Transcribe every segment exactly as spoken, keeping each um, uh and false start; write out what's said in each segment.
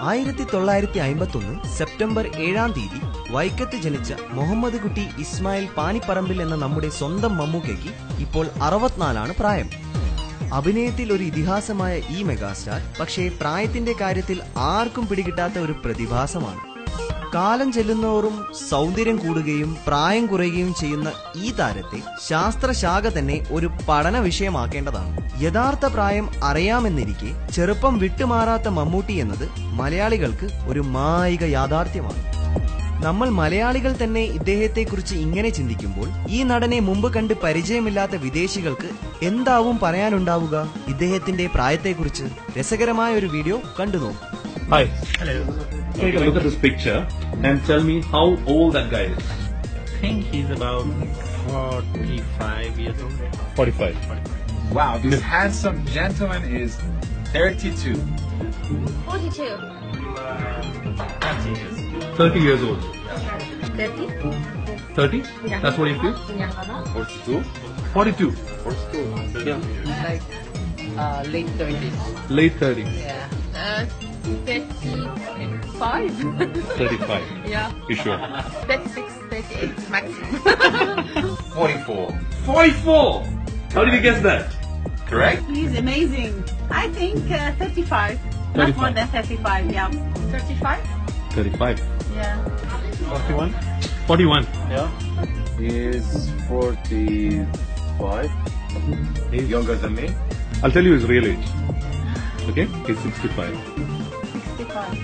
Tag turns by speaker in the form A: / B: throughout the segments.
A: ആയിരത്തി തൊള്ളായിരത്തി അമ്പത്തി ഒന്ന് സെപ്റ്റംബർ ഏഴാം തീയതി വൈക്കത്ത് ജനിച്ച മുഹമ്മദ് കുട്ടി ഇസ്മായിൽ പാനിപ്പറമ്പിൽ എന്ന നമ്മുടെ സ്വന്തം മമ്മൂക്കയ്ക്ക് ഇപ്പോൾ അറുപത്തിനാലാണ് പ്രായം. അഭിനയത്തിൽ ഒരു ഇതിഹാസമായ ഈ മെഗാസ്റ്റാർ പക്ഷേ പ്രായത്തിന്റെ കാര്യത്തിൽ ആർക്കും പിടികിട്ടാത്ത ഒരു പ്രതിഭാസമാണ്. കാലം ചെല്ലുന്നോറും സൗന്ദര്യം കൂടുകയും പ്രായം കുറയുകയും ചെയ്യുന്ന ഈ താരത്തെ ശാസ്ത്രശാഖ തന്നെ ഒരു പഠന വിഷയമാക്കേണ്ടതാണ്. യഥാർത്ഥ പ്രായം അറിയാമെന്നിരിക്കെ ചെറുപ്പം വിട്ടുമാറാത്ത മമ്മൂട്ടി എന്നത് മലയാളികൾക്ക് ഒരു മായിക യാഥാർത്ഥ്യമാണ്. നമ്മൾ മലയാളികൾ തന്നെ ഇദ്ദേഹത്തെക്കുറിച്ച് ഇങ്ങനെ ചിന്തിക്കുമ്പോൾ ഈ നടനെ മുമ്പ് കണ്ട് പരിചയമില്ലാത്ത വിദേശികൾക്ക് എന്താവും പറയാനുണ്ടാവുക ഇദ്ദേഹത്തിന്റെ പ്രായത്തെക്കുറിച്ച്? രസകരമായ ഒരു വീഡിയോ കണ്ടു നോക്കൂ.
B: Hi. Hello. Take a look at this picture and tell me how old that guy is.
C: I think he's about forty-five years old.
B: forty-five.
D: Wow, this handsome gentleman is thirty-two.
E: forty-two.
C: thirty years.
B: thirty years old.
E: thirty?
B: thirty?
E: Yeah.
B: That's what you feel?
E: Yeah.
D: forty-two?
B: forty-two.
D: forty-two.
B: Yeah.
F: Like uh, late thirties.
B: Late thirties.
F: Yeah.
E: Uh, thirty-five.
B: thirty-five.
E: Yeah.
B: You sure?
E: thirty-six, thirty-eight maximum.
D: forty-four.
B: forty-four! How did you guess that?
D: Correct?
G: He's amazing. I think uh, thirty-five. Not
B: thirty-five.
G: more than thirty-five, yeah. thirty-five?
B: thirty-five.
G: Yeah.
B: forty-one? forty-one.
C: Yeah.
D: He is forty-five. He's younger than me.
B: I'll tell you his real age. Okay? He's sixty-five.
G: sixty-five.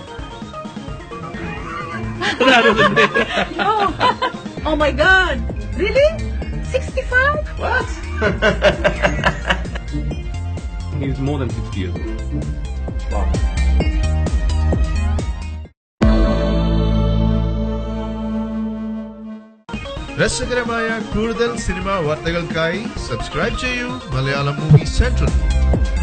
B: no!
G: Oh my God! Really? sixty-five?
D: What?
B: He's more than sixty years old.
D: Wow.
H: രസകരമായ കൂടുതൽ cinema വാർത്തകൾക്കായി subscribe ചെയ്യൂ Malayalam movie central.